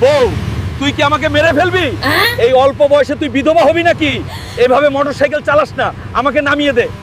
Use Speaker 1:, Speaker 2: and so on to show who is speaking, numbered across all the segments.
Speaker 1: বউ, তুই কি আমাকে মেরে ফেলবি? এই অল্প বয়সে তুই বিধবা হবি নাকি? এভাবে মোটরসাইকেল চালাস না, আমাকে নামিয়ে দে।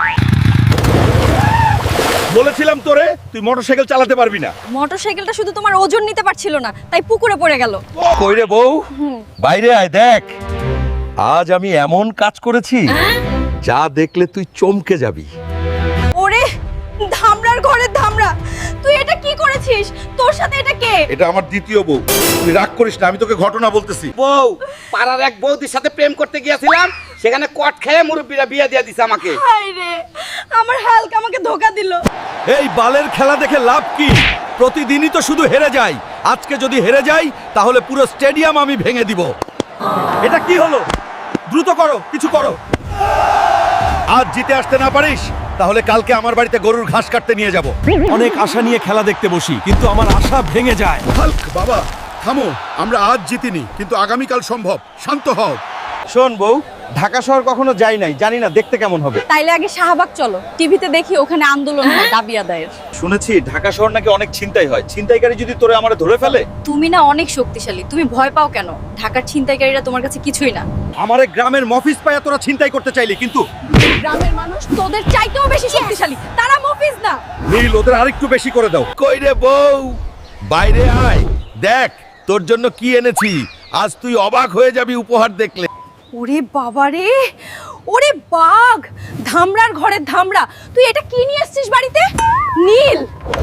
Speaker 1: বলেছিলাম তোরে তুই মোটরসাইকেল চালাতে পারবি না।
Speaker 2: মোটরসাইকেলটা শুধু তোমার ওজন নিতে পারছিল না, তাই পুকুরে পড়ে গেল।
Speaker 1: কই রে বউ, বাইরে আয় দেখ। আজ আমি এমন কাজ করেছি যা দেখলে তুই চমকে যাবি।
Speaker 2: ওরে ধামরার ঘরের ধামরা, তুই এটা কি করেছিস? তোর সাথে এটা কে?
Speaker 1: এটা আমার দ্বিতীয় বউ। তুই রাগ করিস না, আমি তোকে ঘটনা বলতেছি।
Speaker 3: বউ, পাড়ার এক বৌদির সাথে প্রেম করতে গিয়েছিলাম, সেখানে কট খেয়ে মুরব্বীরা বিয়ে দিয়ে দিছে আমাকে।
Speaker 2: হায় রে, আমার হালকা আমাকে ধোকা দিল।
Speaker 1: এই বালের খেলা দেখে লাভ কি? প্রতিদিনই তো শুধু হেরে যাই। আজকে যদি হেরে যাই তাহলে পুরো স্টেডিয়াম আমি ভেঙে দিব। এটা কি হলো? দ্রুত করো, কিছু করো। আজ জিতে আসতে না পারিস তাহলে কালকে আমার বাড়িতে গরুর ঘাস কাটতে নিয়ে যাব। অনেক আশা নিয়ে খেলা দেখতে বসি, কিন্তু আমার আশা ভেঙে যায়।
Speaker 4: হাল্ক বাবা থামো, আমরা আজ জিতিনি কিন্তু আগামীকাল সম্ভব। শান্ত হও।
Speaker 1: শোন বউ, ঢাকা শহর কখনো যাই নাই, জানি না দেখতে কেমন হবে।
Speaker 2: তাইলে আগে শাহবাগ চলো, টিভিতে দেখি ওখানে আন্দোলন হয় দাবি আদায়ের।
Speaker 1: শুনেছি ঢাকা শহর নাকি অনেক ছিনতাই হয়। ছিনতাইকারী যদি তোরে আমারে ধরে ফেলে?
Speaker 2: তুমি না অনেক শক্তিশালী, তুমি ভয় পাও কেন? ঢাকার ছিনতাইকারীরা তোমার কাছে কিছুই না।
Speaker 1: আমারে গ্রামের মফিজ পায়া তোরা ছিনতাই করতে চাইলি, কিন্তু
Speaker 2: গ্রামের মানুষ তোদের চাইতেও বেশি শক্তিশালী, তারা মফিজ না।
Speaker 1: নীল, ওদের আরেকটু বেশি করে দাও। কই রে বউ, বাইরে আয়, দেখ তোর জন্য কি এনেছি। আজ তুই অবাক হয়ে যাবি উপহার দেখলে।
Speaker 2: ওরে বাবা রে, ওরে বাঘ, ধামরার ঘরের ধামরা, তুই এটা কি নিয়ে এসেছিস বাড়িতে? নীল,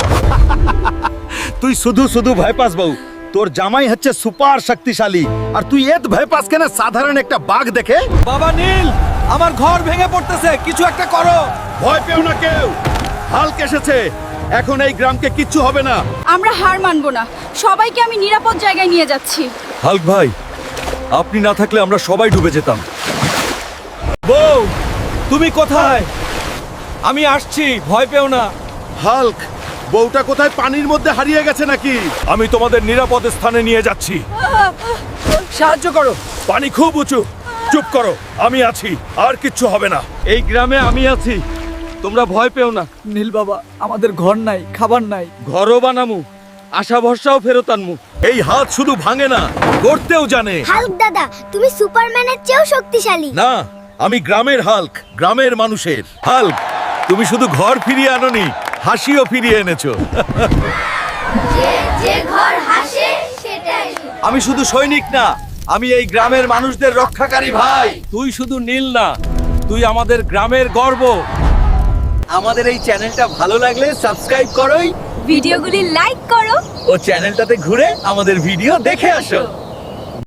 Speaker 1: তুই শুধু শুধু ভয় পাস বউ। তোর জামাই হচ্ছে সুপার শক্তিশালী, আর তুই এত ভয় পাস কেন সাধারণ একটা বাঘ দেখে? বাবা নীল, আমার ঘর ভেঙে পড়তেছে, কিছু একটা করো। ভয় পেও না কেউ, হাল্ক এসেছে। এখন এই গ্রামকে কিচ্ছু হবে না।
Speaker 2: আমরা হার মানবো না, সবাইকে আমি নিরাপদ জায়গায় নিয়ে যাচ্ছি।
Speaker 1: হাল্ক ভাই, আপনি না থাকলে আমরা সবাই ডুবে যেতাম। বউ, তুমি কোথায়? আমি আসছি, ভয় পেও না।
Speaker 4: হাল্ক, বউটা কোথায় পানির মধ্যে হারিয়ে গেছে নাকি?
Speaker 1: আমি তোমাদের নিরাপদ স্থানে নিয়ে যাচ্ছি। সাহায্য করো, পানি খুব উঁচু। চুপ করো, আমি আছি, আর কিচ্ছু হবে না। এই গ্রামে আমি আছি, তোমরা ভয় পেও না।
Speaker 5: নীল বাবা, আমাদের ঘর নাই, খাবার নাই।
Speaker 1: ঘরও বানামু, আশা ভরসাও ফেরত আনমু। এই হাত শুধু ভাঙে না, গড়তেও জানে।
Speaker 6: হাল্ক দাদা, তুমি সুপারম্যানের চেয়েও শক্তিশালী।
Speaker 1: না, আমি গ্রামের হাল্ক, গ্রামের মানুষের হাল্ক। তুমি শুধু ঘর ফিরিয়ে আনোনি, হাসিও ফিরিয়ে এনেছো।
Speaker 6: যে ঘর হাসে সেটাই।
Speaker 1: আমি শুধু সৈনিক না, আমি এই গ্রামের মানুষদের রক্ষাকারী ভাই। তুই শুধু নীল না, তুই আমাদের গ্রামের গর্ব। আমাদের এই চ্যানেলটা ভালো লাগলে সাবস্ক্রাইব করোই,
Speaker 2: ভিডিওগুলি লাইক করো।
Speaker 1: ও চ্যানেলটাতে ঘুরে আমাদের ভিডিও দেখে আসো।